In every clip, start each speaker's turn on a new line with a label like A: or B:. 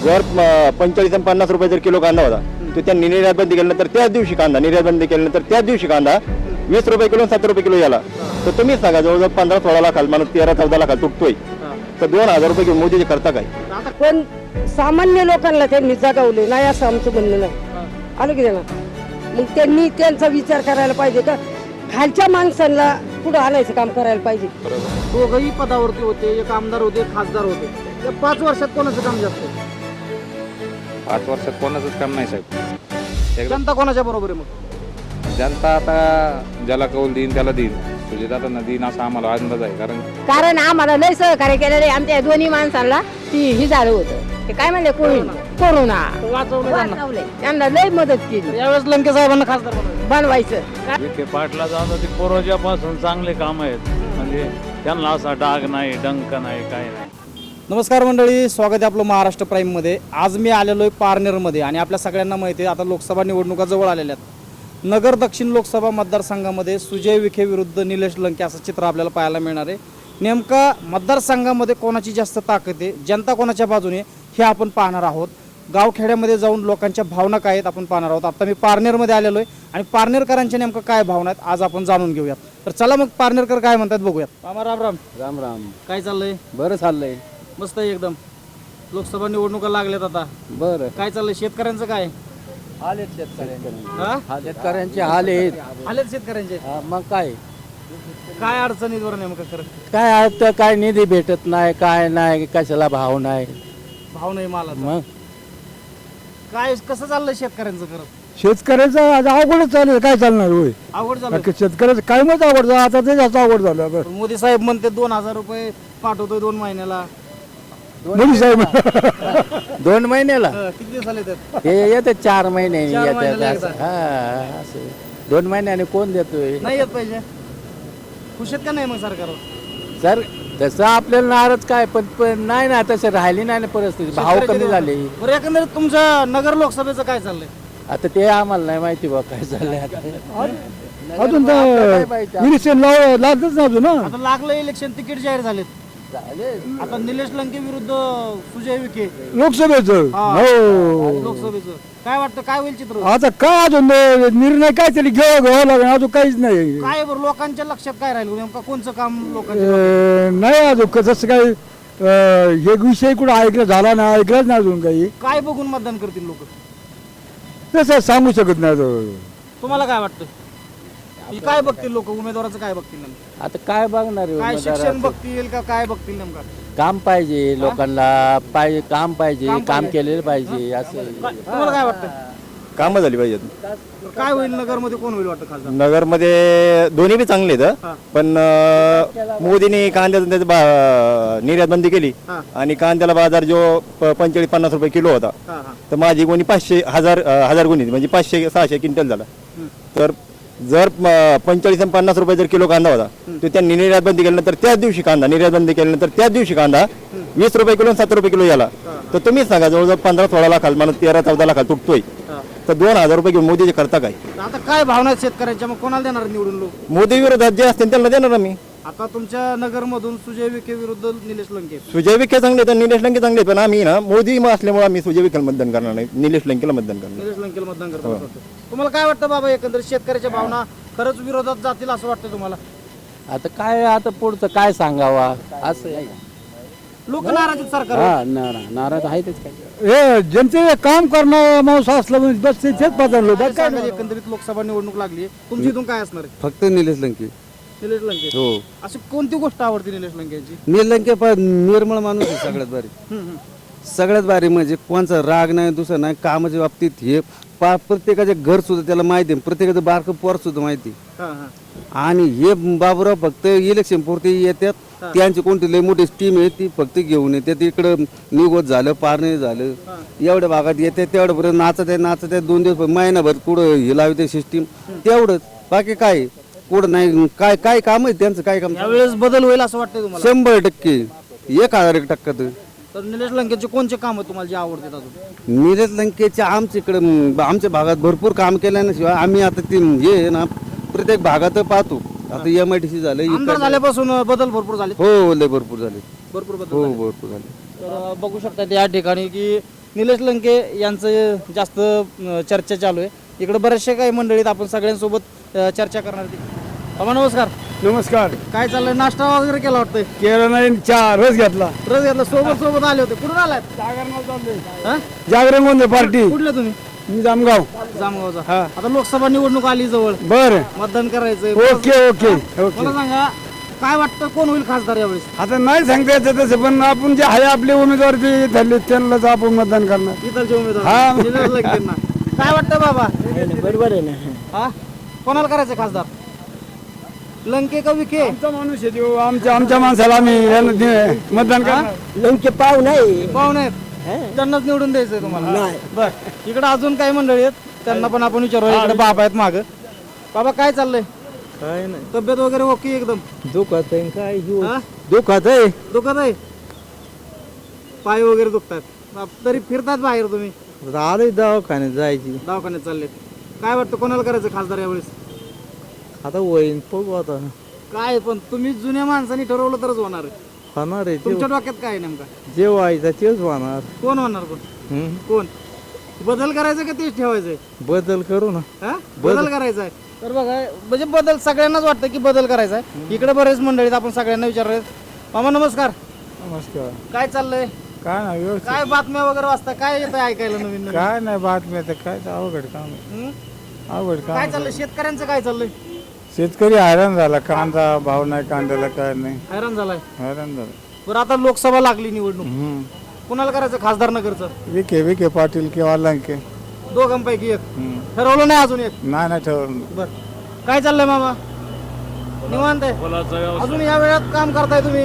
A: जर 45 आणि 50 रुपये जर किलो कांदा होता तो त्यांनी निर्यात बंदी केल्यानंतर त्याच दिवशी कांदा निर्यात बंदी केल्यानंतर त्याच दिवशी कांदा 20 रुपये किलो 7 रुपये किलो याला. तर तुम्हीच सांगा जवळजवळ 15-16 लाखाला माणूस 13-14 लाखाला तुटतोय तर 2000 रुपये घेऊन मोदीचे करता काय?
B: पण सामान्य लोकांना त्यांनी जगावले नाही असं आमचं म्हणणं नाही. आलं की ना मग त्यांनी त्यांचा विचार करायला पाहिजे का खालच्या माणसांना पुढे आणायचं काम करायला पाहिजे.
C: दोघंही पदावरती होते, एक आमदार होते, एक खासदार होते. या 5 वर्षात कोणाचं काम जास्त आहे?
D: 5 वर्षात कोणाचंच काम नाही साहेब.
C: जनता कोणाच्या बरोबर आहे मग?
D: जनता आता ज्याला कौल देईन त्याला देईन, सुजितातांना देईन असा आम्हाला अंदाज आहे.
E: कारण आम्हाला लय सहकार्य केलेलं आहे. आमच्या दोन्ही माणसांना ही झालं होतं ते काय म्हणले कोरोना वाचवलंय. त्यांना लय मदत केली.
C: यावेळेस लंके साहेबांना खासदार
E: बनवायचं.
F: विखे पाटला जाऊन ते पूर्वजापासून चांगले काम आहेत, म्हणजे त्यांना असा डाग नाही, डंक नाही, काय नाही.
C: नमस्कार मंडळी, स्वागत आहे आपलं महाराष्ट्र प्राईममध्ये. आज मी आलेलो आहे पारनेरमध्ये आणि आपल्या सगळ्यांना माहिती आहे आता लोकसभा निवडणुका जवळ आलेल्या आहेत. नगर दक्षिण लोकसभा मतदारसंघामध्ये सुजय विखे विरुद्ध निलेश लंके असं चित्र आपल्याला पाहायला मिळणार आहे. नेमका मतदारसंघामध्ये कोणाची जास्त ताकद आहे, जनता कोणाच्या बाजूने हे आपण पाहणार आहोत. गावखेड्यामध्ये जाऊन लोकांच्या भावना काय आहेत आपण पाहणार आहोत. आता मी पारनेरमध्ये आलेलो आहे आणि पारनेरकरांच्या नेमकं काय भावना आहेत आज आपण जाणून घेऊयात. तर चला मग पारनेरकर काय म्हणतात बघूयात. मामा राम राम.
G: राम राम.
C: काय चाललंय?
G: बरं चाललंय.
C: मस्त आहे एकदम. लोकसभा निवडणुका लागल्यात आता.
G: बरं.
C: काय चाललंय? शेतकऱ्यांचं काय
G: हाल आहेत शेतकऱ्यांचे.
C: हा?
G: शेतकऱ्यांचे हाल आहेत.
C: आलेत शेतकऱ्यांचे.
G: मग काय
C: काय अडचणीत बरं नेमकं खरं?
G: काय आता काय निधी भेटत नाही, काय नाही, कशाला भाव नाही.
C: भाव नाही माला.
G: मग
C: काय कसं चाललंय शेतकऱ्यांचं खरं?
H: शेतकऱ्याचं आज अवघडच चालू काय चालणार होय.
C: अवघड झालं.
H: शेतकऱ्याचं काय मत अवघड झालं आता ते जास्त अवघड झालं.
C: मोदी साहेब म्हणते 2000 रुपये पाठवतोय 2 महिन्याला.
H: मोदी साहेब
G: 2 महिन्याला
C: किती दिवस आले त्यात?
G: हे येते 4 महिन्यानी
C: 4 महिन्याला
G: येतात.
C: एकदा.
G: हा असं 2 महिन्याने कोण देतोय?
C: नाही येत पाहिजे. खुश आहेत का नाही मग सरकारवर?
G: सर तसं आपल्याला नाराज काय पण नाही ना, तसं राहिली नाही ना परिस्थिती. भाव कमी झाले.
C: बरं एकंदरीत तुमच्या नगर लोकसभेचं काय चाललंय?
G: आता ते आम्हाला नाही माहिती बा काय झालंय आता.
H: अजून तर इलेक्शन लागतच ना अजून.
C: आता लागलं इलेक्शन, तिकीट जाहीर झालेत. आता निलेश लंके विरुद्ध सुजय विखे
H: लोकसभेचं.
C: हा.
H: हो
C: लोकसभेचं काय वाटतं? काय होईल चित्र?
H: आता काय अजून निर्णय काय तरी घ्यावा लागेल. अजून काहीच नाही.
C: काय बरं लोकांच्या लक्षात काय राहील नेमका? कोणचं काम लोकांच्या?
H: नाही अजून जसं काही हे विषय कुठं ऐकलं झाला ना, ऐकलंच नाही अजून काही.
C: काय बघून मतदान करतील लोक?
H: तसं सांगू शकत नाही अजून.
C: तुम्हाला काय वाटतं? काय बघतील लोक? उमेदवाराचं काय बघतील नेमकं?
G: आता काय बघणार आहे
C: काय शिक्षण
G: उमेदवाराचं?
C: बघतील का काय बघतील नेमका?
G: काम पाहिजे लोकांना, काम पाहिजे,
C: काम
G: काम
C: पाहिजे.
G: केलेलं पाहिजे असं.
C: तुम्हाला काय वाटतं?
A: कामं झाली पाहिजेत.
C: काय होईल नगरमध्ये? कोण होईल वाटतं खासदार?
A: नगरमध्ये दोन्ही बी चांगले आहेत
C: हा.
A: पण मोदीने कांद्याचं निर्यात बंदी केली
C: हा.
A: आणि कांद्याला बाजार जो 45-50 रुपये किलो होता
C: हा हा
A: तर माझी गुणी 500,000 गुणी म्हणजे 500-600 क्विंटल झाला. तर जर 45 आणि 50 रुपये जर किलो कांदा होता तो त्यांनी निर्यात बंदी केल्यानंतर त्याच दिवशी कांदा निर्यात बंदी केल्यानंतर त्याच दिवशी कांदा 20 रुपये किलो 7 रुपये किलो याला. तर तुम्हीच सांगा जवळजवळ 15-16 लाखाला माणूस 13-14 लाखाला तुटतोय
C: हा.
A: तर 2000 रुपये घेऊन मोदीचे करता काय?
C: आता काय भावना आहेत शेतकऱ्यांच्या? मग कोणाला देणार निवडून लोक?
A: मोदी विरोधात जे असतील त्यांना देणार आम्ही.
C: आता तुमच्या नगरमधून सुजय विखे विरुद्ध निलेश लंके.
A: सुजय विखे चांगले तर निलेश लंके चांगले पण आम्ही ना मोदी असल्यामुळे आम्ही सुजय विखेला मतदान करणार नाही, निलेश लंकेला मतदान करणार.
C: निलेश लंकेला मतदान करतो. तुम्हाला काय वाटतं बाबा एकंदरीत शेतकऱ्याच्या भावना खरंच विरोधात जातील असं वाटतं तुम्हाला?
G: आता काय आता पुढचं काय सांगावा असं आहे.
C: लोक नाराज आहेत सरकार.
G: हा नाराज आहेतच काय.
H: हे जनते काम करणार माणूस असलं म्हणजे बस तेच पदार्थ काय.
C: एकंदरीत लोकसभा निवडणूक लागली. तुमची इथून काय असणार आहे?
I: फक्त निलेश लंके.
C: निलेश लंके.
I: हो.
C: अशी कोणती गोष्ट आवडते निलेश लंकेची?
I: निलेश लंके निर्मळ माणूस आहे सगळ्यात भारी. सगळ्यात भारी म्हणजे कोणचा राग नाही, दुसरा नाही. कामाच्या बाबतीत हे प्रत्येकाचे घर सुद्धा त्याला माहिती आहे, प्रत्येकाचं बारकं पोर सुद्धा माहिती.
C: हा हा
I: आणि हे बाबूराव फक्त इलेक्शन पुरते येतात. त्यांची कोणती लय मोठी टीम आहे ती फक्त घेऊन येते. इकडं निवत झालं, पारणे झालं, एवढ्या भागात येते तेवढ्यापर्यंत नाचत आहे 2 दिवस महिनाभर पुढं हे लावते सिस्टीम तेवढंच. बाकी काय पुढं नाही. काय काय काम आहे त्यांचं? काय काम?
C: यावेळेस बदल होईल असं वाटतंय तुम्हाला?
I: 100% 1001%
C: तर निलेश लंकेचे कोणचे काम आहे तुम्हाला जे आवडतात अजून?
I: निलेश लंकेच्या आमच्याकडे आमच्या भागात भरपूर काम केल्याशिवाय आम्ही आता ते हे आहे ना प्रत्येक भागात पाहतो. आता MIDC झालं,
C: आमदार झाल्यापासून बदल भरपूर झाले.
I: हो लय भरपूर झाले.
C: भरपूर बदल
I: हो
C: झाले.
I: भरपूर झाले.
C: तर बघू शकता या ठिकाणी की निलेश लंके यांचं जास्त चर्चा चालू आहे. इकडे बरेचसे काही मंडळीत आपण सगळ्यांसोबत चर्चा करणार आहे. बाबा नमस्कार.
H: नमस्कार.
C: काय चाललंय? नाश्ता वगैरे केला वाटतंय?
H: केलं नाही, चहा रस घेतला.
C: रस घेतला. सोबत आले होते. कुठून आलात? हा?
H: जागरण गोंधळ पार्टी.
C: कुठले तुम्ही?
H: मी जामगाव.
C: जामगावचा. आता लोकसभा निवडणूक आली जवळ,
H: बर.
C: मतदान करायचंय.
H: Okay okay okay.
C: मला सांगा काय वाटतं कोण होईल खासदार यावेळेस?
H: आता नाही सांगता येतं तसं, पण आपण जे आहे आपले उमेदवार जे ठरले त्यांनाच आपण मतदान करणार.
C: इथलचे उमेदवार
H: हा.
C: निलेश लंकेंना. काय वाटतं बाबा?
B: बरोबर आहे ना.
C: हा? कोणाला करायचं खासदार? लंके का विखे?
H: आमचा माणूस आहे तो, आमच्या माणसाला आम्ही मतदान करणार.
B: लंके पाव नाही.
C: पाहुणे आहेत त्यांनाच निवडून द्यायचंय तुम्हाला? बर. इकडे अजून काही मंडळी आहेत त्यांना पण आपण विचारू. इकडे बाबा आहेत माग. बाबा काय चाललंय?
H: काय नाही,
C: तब्येत वगैरे ओके एकदम?
H: दुखत आहे काय
C: हा?
H: दुखत आहे.
C: दुखत आहे? पाय वगैरे दुखतात तरी फिरतात बाहेर तुम्ही?
H: आले दवाखान्यात जायची.
C: दवाखान्यात चालले. काय वाटतं कोणाला करायचं खासदार यावेळेस?
H: आता वहीन बघू आता
C: काय पण तुम्ही जुन्या माणसांनी ठरवलं तरच होणार आहे.
H: होणार आहे.
C: तुमच्या डोक्यात काय आहे नेमका?
H: जे व्हायचं तेच होणार.
C: कोण होणार? कोण बदल करायचा का तेच ठेवायचंय?
H: बदल करू ना.
C: हा? बदल करायचा आहे. तर बघा म्हणजे बदल सगळ्यांनाच वाटतं की बदल करायचा आहे. इकडे बरेच मंडळीत आपण सगळ्यांना विचारले. मामा नमस्कार.
H: नमस्कार.
C: काय चाललंय?
H: काय नाही व्यवस्थित.
C: काय बातम्या वगैरे वाचता? काय येतं ऐकायला नवीन नवीन?
H: काय नाही बातम्या तर काय अवघड काम आहे.
C: हं?
H: अवघड
C: काय
H: काम.
C: चाललंय? शेतकऱ्यांचं काय चाललंय?
H: शेतकरी हैराण झाला. कांदा भाव नाही, कांद्याला काय नाही,
C: हैराण झालाय.
H: हैराण झाला.
C: बरं आता लोकसभा लागली निवडणूक. कुणाला करायचं खासदार नगरचं?
H: विखे पाटील किंवा लंके.
C: दोघांपैकी एक ठरवलं नाही अजून एक?
H: नाही ठरवलं.
C: बर. काय चाललंय मामा? निवांत आहे? अजून या वेळात काम करताय तुम्ही?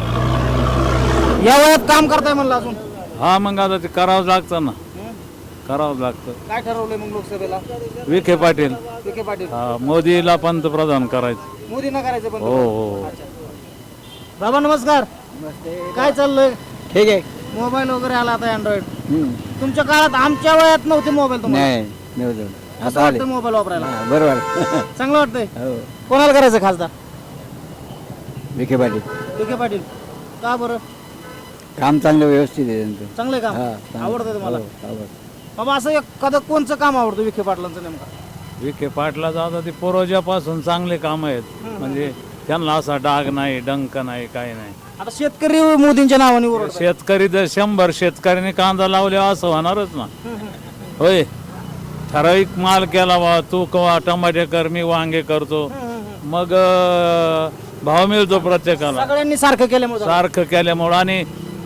C: या वेळात काम करताय म्हणलं अजून?
F: हा मग आता ते करावंच लागतं ना, करावंच लागतं.
C: काय ठरवलंय मग लोकसभेला?
F: विखे पाटील.
C: विखे पाटील.
F: हा, मोदीला पंतप्रधान करायचं.
C: मोदींना करायचं पण?
F: हो हो.
C: बाबा नमस्कार. काय चाललंय?
H: ठीक आहे.
C: मोबाईल वगैरे आला आता अँड्रॉइड. तुमच्या काळात आमच्या वयात नव्हते मोबाईल. तुम्हाला असं वाटतं मोबाईल वापरायला?
H: बरोबर.
C: चांगलं वाटतंय. कोणाला करायचं खासदार?
H: विखे पाटील.
C: विखे पाटील. का बरं?
H: काम चांगलं व्यवस्थित आहे त्यांचं.
C: चांगलंय काम. आवडतंय तुम्हाला? बाबा असं एखादं कोणचं काम आवडतं विखे पाटलांचं नेमका?
F: विखे पाटला जाता ते पूर्वजापासून चांगले काम आहेत. म्हणजे त्यांना असा डाग नाही, डंक नाही, काही नाही.
C: आता शेतकरी मोदींच्या नावाने ओरडतात.
F: शेतकरी जर 100 शेतकऱ्यांनी कांदा लावल्यावर असं होणारच ना. होय. ठराविक माल केला बा, तू कवा टमाटे कर, मी वांगे करतो, मग भाव मिळतो प्रत्येकाला.
C: सगळ्यांनी सारखं केल्यामुळे.
F: सारखं केल्यामुळं आणि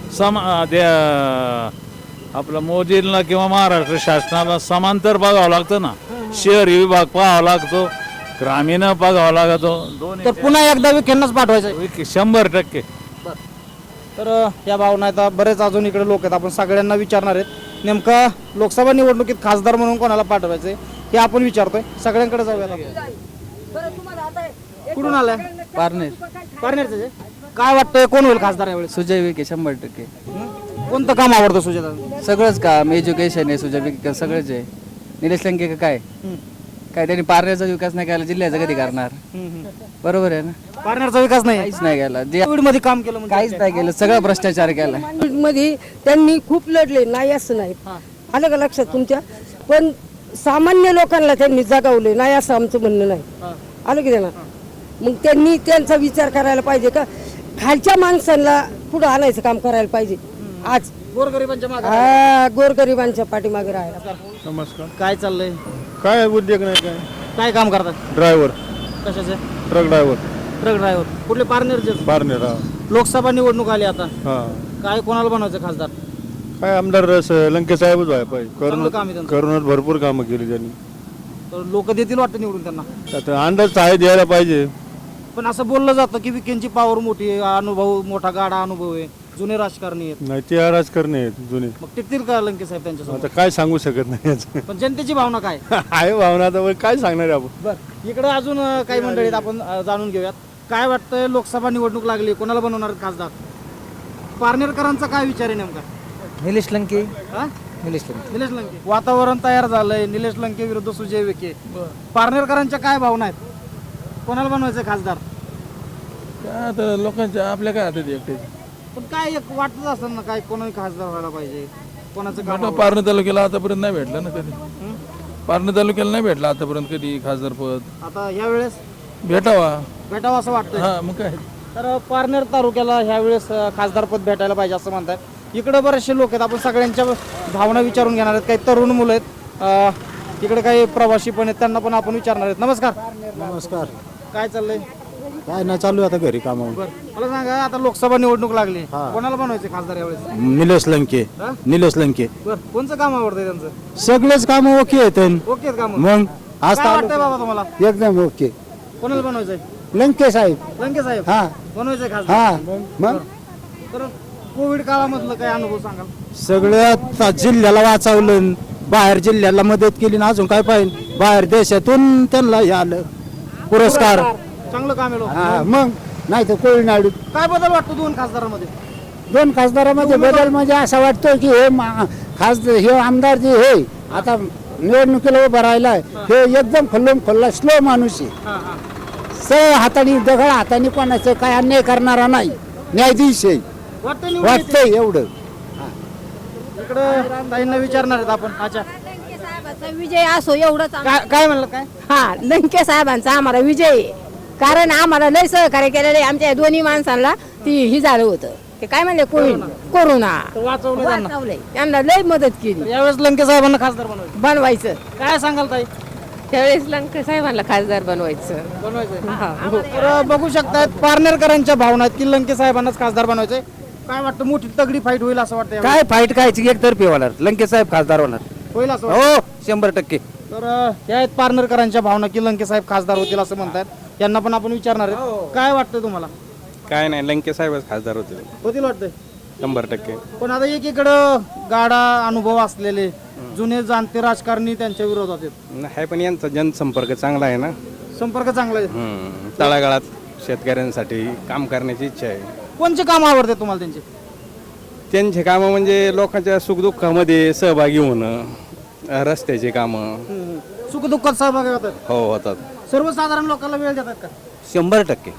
F: आपलं मोदींना किंवा महाराष्ट्र शासनाला समांतर बघावं लागतं ना. शहरी विभाग पाहावा लागतो, ग्रामीण बघावा लागतो.
C: तर पुन्हा एकदा विखेंनाच पाठवायचं.
F: 100%.
C: तर या भावना आहेत. बरेच अजून इकडे लोक आहेत. आपण सगळ्यांना विचारणार आहेत नेमका लोकसभा निवडणुकीत खासदार म्हणून कोणाला पाठवायचंय हे आपण विचारतोय. सगळ्यांकडे जाऊया. कुठून आलाय?
G: पारनेर.
C: पारनेरचं. काय वाटतंय कोण होईल खासदार यावेळेस?
G: सुजय विखे 100%.
C: कोणतं काम आवडतं सुजय?
G: सगळंच काम, एज्युकेशन आहे सुजय विखे, सगळंच आहे. निलेश लंके का काय त्यांनी पारनेरचा विकास नाही केला, जिल्ह्याचा कधी करणार? बरोबर आहे ना.
C: पारनेरचा विकास नाही.
G: काहीच नाही केला. जे
C: कोविड मध्ये काम केलं म्हणजे
G: काहीच नाही केलं, सगळं भ्रष्टाचार केला.
B: मध्ये त्यांनी खूप लढले, नाही असं नाही. आलं का लक्षात तुमच्या? पण सामान्य लोकांना त्यांनी जगावले, नाही असं आमचं म्हणणं नाही. आलं की त्यांना? मग त्यांनी त्यांचा विचार करायला पाहिजे का खालच्या माणसांना पुढे आणायचं काम करायला पाहिजे. आज
C: गोरगरिबांच्या मागे.
B: गोरगरिबांच्या पाठीमागे राहायला.
H: नमस्कार.
C: काय चाललंय?
H: काय उद्योग नाही काय.
C: काय काम करतात?
H: ड्रायव्हर,
C: कशाचे?
H: Truck driver.
C: Truck driver. कुठले? पारनेरचे.
H: पारनेर.
C: लोकसभा निवडणूक आली आता.
H: हा.
C: काय कोणाला बनवायचं खासदार?
H: काय आमदार लंके साहेबच व्हायला पाहिजे.
C: चांगलं काम आहे त्यांचं.
H: करोनात भरपूर कामं केली त्यांनी.
C: तर लोक देतील वाटतं निवडून त्यांना.
H: आता अंदाज आहे द्यायला पाहिजे.
C: पण असं बोललं जातं की विखेंची पॉवर मोठी आहे, अनुभव मोठा गाडा अनुभव आहे, जुने राजकारणी आहेत.
H: नाही ते राजकारणी आहेत जुने.
C: मग टिकतील का लंके साहेब त्यांच्यासोबत?
H: आता काय सांगू शकत नाही याचं.
C: पण जनतेची भावना काय?
H: आहे भावना आता काय सांगणार आहे आपण.
C: बर. इकडे अजून काही मंडळीत आपण जाणून घेऊयात. काय वाटतंय लोकसभा निवडणूक लागली, कोणाला बनवणार खासदार? पारनेरकरांचा काय विचार आहे नेमका?
G: निलेश लंके.
C: हा?
G: निलेश लंके.
C: निलेश लंके. वातावरण तयार झालंय. निलेश लंके विरुद्ध सुजय विखे. पारनेरकरांच्या काय भावना आहेत? कोणाला बनवायचं खासदार?
H: आता लोकांच्या आपल्या काय हातात एकटे.
C: पण काय एक वाटत असतं ना काय कोणी खासदार व्हायला पाहिजे. कोणाचं काम
J: पारणे तालुक्याला आतापर्यंत नाही भेटलं ना कधी. पारणे तालुक्याला नाही भेटलं आतापर्यंत कधी खासदार पद.
C: आता यावेळेस
J: भेटावा
C: असं वाटतंय.
J: हा मग काय.
C: तर पारनेर तालुक्याला ह्यावेळेस खासदारपद भेटायला पाहिजे असं म्हणतात. इकडे बरेचसे लोक आहेत, आपण सगळ्यांच्या भावना विचारून घेणार आहेत. काही तरुण मुलं आहेत, इकडे काही प्रवासी पण आहेत, त्यांना पण आपण विचारणार आहेत. नमस्कार.
K: नमस्कार.
C: काय चाललंय?
K: काय नाही, चालू आहे आता घरी कामावर.
C: मला सांगा, आता लोकसभा निवडणूक लागली, कोणाला बनवायचे खासदार यावेळेस?
K: निलेश लंके. निलेश लंके.
C: कोणचं काम आवडतंय त्यांचं?
K: सगळेच काम ओके आहेत.
C: ओके आहेत काम.
K: मग आज
C: काय वाटतंय बाबा तुम्हाला,
K: एकदम ओके.
C: कोणाला बनवायचंय?
K: लंके साहेब.
C: लंके साहेब
K: हा
C: बनवायचंय खासदार.
K: हा. मग
C: तर कोविड काळामधलं काय अनुभव सांगाल?
K: सगळ्या जिल्ह्याला वाचवलं, बाहेर जिल्ह्याला मदत केली ना, अजून काय पाहिजे. बाहेर देशातून त्यांना हे आलं पुरस्कार.
C: चांगलं काम आहे.
K: हा मग नाही तर कोळीनाडू.
C: काय बदल वाटतो दोन खासदारांमध्ये?
K: दोन खासदारामध्ये बदल म्हणजे असा वाटतोय की हे खासदार हे आमदार जे हे आता निवडणुकीला उभं राहिलाय, हे एकदम खुल्लम खुल्ला स्लो माणूस आहे. हाताने दगड हाताने कोणाचं काय अन्याय करणारा नाही, न्यायाधीश आहे वाटतंय एवढं.
C: इकडे ताईंना विचारणार आहेत आपण. अच्छा,
E: विजय असो एवढंच.
C: काय म्हणलं? काय
E: हा, लंके साहेबांचा आम्हाला विजय आहे. कारण आम्हाला लय सहकार्य केलेलं आहे. आमच्या दोन्ही माणसांना ही झालं होतं, ते काय म्हणले कोरोना वाचवलंय, त्यांना लय मदत केली.
C: यावेळेस लंके साहेबांना खासदार
E: बनवायचं.
C: काय सांगाल ताई?
E: त्यावेळेस लंके साहेबांना खासदार बनवायचं.
C: तर बघू शकतात पारनेरकरांच्या भावना आहेत की लंके साहेबांनाच खासदार बनवायचंय. काय वाटतं, मोठी तगडी फाईट होईल असं वाटतं?
G: काय फाईट खायची, एकतर्फी होणार. लंके साहेब खासदार होणार.
C: होईल असं वाटतं?
G: हो 100%.
C: तर हे आहेत पारनेरकरांच्या भावना की लंके साहेब खासदार होतील असं म्हणतात. यांना पण आपण विचारणार आहे. काय वाटतं तुम्हाला?
L: काय नाही, लंके साहेबच खासदार होतील
C: वाटतंय
L: 100%.
C: पण आता एकीकडं गाडा अनुभव असलेले जुने जाणते राजकारणी त्यांच्या विरोधात आहेत.
L: आहे, पण यांचा जनसंपर्क चांगला आहे ना.
C: संपर्क चांगला आहे.
L: तळागाळात शेतकऱ्यांसाठी काम करण्याची इच्छा आहे.
C: कोणचे काम आवडते तुम्हाला त्यांचे?
L: त्यांचे कामं म्हणजे लोकांच्या सुखदुःखामध्ये सहभागी होणं, रस्त्याचे कामं.
C: सुखदुःखात सहभागी होतात.
L: हो होतात.
C: सर्वसाधारण लोकांना वेळ देतात का?
G: 100%.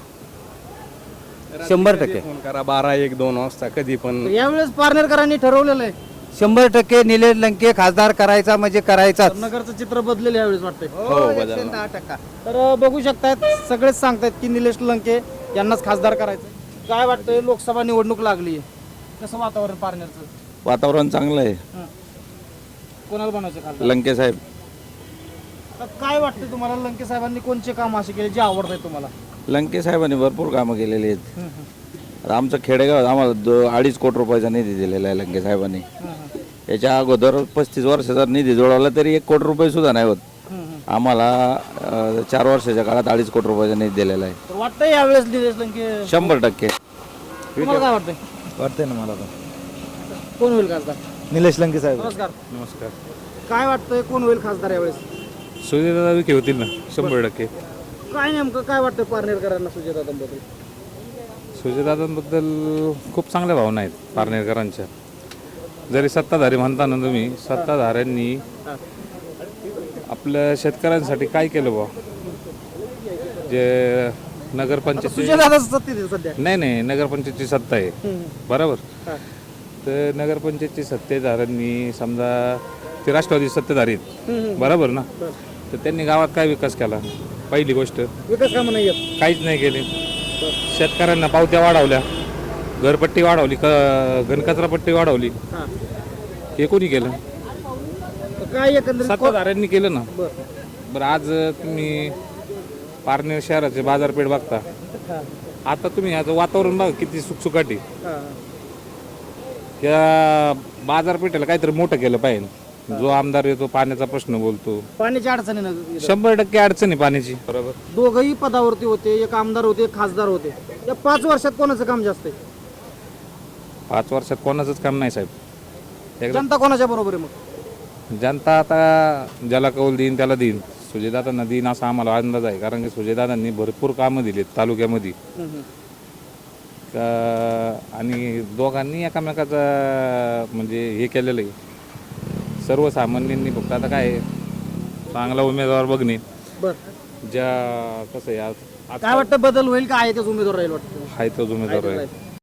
G: 100%.
L: फोन करा 12, 1, 2 वाजता कधी पण.
C: यावेळेस पारनेरकरांनी ठरवलेलं आहे
G: 100% निलेश लंके खासदार करायचा म्हणजे करायचा.
C: नगरचं चित्र बदलेलं यावेळेस वाटतंय.
L: हो बदल.
C: तर बघू शकतात, सगळेच सांगतायत की निलेश लंके यांनाच खासदार करायचं. काय वाटतंय, लोकसभा निवडणूक लागली आहे, कसं वातावरण पारनेरचं?
A: वातावरण चांगलं आहे.
C: कोणाला बनायचं खासदार?
A: लंके साहेब.
C: तर काय वाटतं तुम्हाला, लंके साहेबांनी कोणचे काम असे केले जे आवडत आहे तुम्हाला?
A: लंके साहेबांनी भरपूर कामं केलेली आहेत. आता आमचं खेडेगाव आम्हाला 2.5 कोटी रुपयाचा निधी दिलेला आहे लंके साहेबांनी. याच्या अगोदर 35 वर्षाचा निधी जोडवला तरी 1 कोटी रुपये सुद्धा नाही होत. आम्हाला 4 वर्षाच्या काळात 2.5 कोटी रुपयाचा निधी दिलेला आहे.
C: तर वाटतंय यावेळेस निलेश लंके
A: 100%.
C: तुम्हाला काय वाटतंय?
K: वाटतंय ना मला.
C: कोण होईल खासदार?
K: निलेश लंके साहेब.
C: नमस्कार. काय वाटतंय, कोण होईल खासदार यावेळेस?
D: सुजयदादा विखे होतील ना 100%.
C: काय नेमकं काय वाटतं पारनेरकरांना सुजयदादांबद्दल?
D: सुजयदादांबद्दल खूप चांगल्या भावना आहेत पारनेरकरांच्या. जरी सत्ताधारी म्हणता ना तुम्ही, सत्ताधाऱ्यांनी आपल्या शेतकऱ्यांसाठी काय केलं बा? जे नगरपंचायत
C: सुजयदादाच सत्तेत आहे सध्या.
D: नाही, नगरपंचायतची सत्ता आहे बरोबर. तर नगरपंचायतची सत्तेधाऱ्यांनी समजा ते राष्ट्रवादी सत्तेधारी आहेत बरोबर ना, तर त्यांनी गावात काय विकास केला? पहिली गोष्ट
C: विकास कामं नाही आहेत.
D: काहीच नाही केले. शेतकऱ्यांना पावत्या वाढवल्या, घरपट्टी वाढवली, घनकचरा पट्टी वाढवली, हे कोणी केलं?
C: काय एकंदरीत
D: सत्ताधाऱ्यांनी केलं ना. बरं आज तुम्ही पारनेर शहराचे बाजारपेठ बघता, आता तुम्ही याचं वातावरण बघा किती सुखसुखाटी. या बाजारपेठेला काहीतरी मोठं केलं पाहिजे. जो आमदार येतो पाण्याचा प्रश्न बोलतो,
C: पाण्याची अडचणी ना.
D: 100% अडचण आहे पाण्याची. बरोबर.
C: दोघंही पदावरती होते, एक आमदार होते, एक खासदार होते. या 5 वर्षात कोणाचं काम जास्त आहे?
D: 5 वर्षात कोणाचंच काम नाही साहेब.
C: जनता कोणाच्या बरोबर आहे मग?
D: जनता आता ज्याला कौल देईन त्याला देईन. सुजयदादांना देईन असा आम्हाला अंदाज आहे, कारण की सुजयदादांनी भरपूर कामं दिलीत तालुक्यामध्ये. आणि दोघांनी एकामेकाचं म्हणजे हे केलेलं आहे. सर्वसामान्यांनी फक्त आता काय चांगला उमेदवार बघणे. ज्या कसं आहे
C: काय वाटतं, बदल होईल का आहे तेच उमेदवार राहील वाटतं?
D: आहे तोच उमेदवार आहे.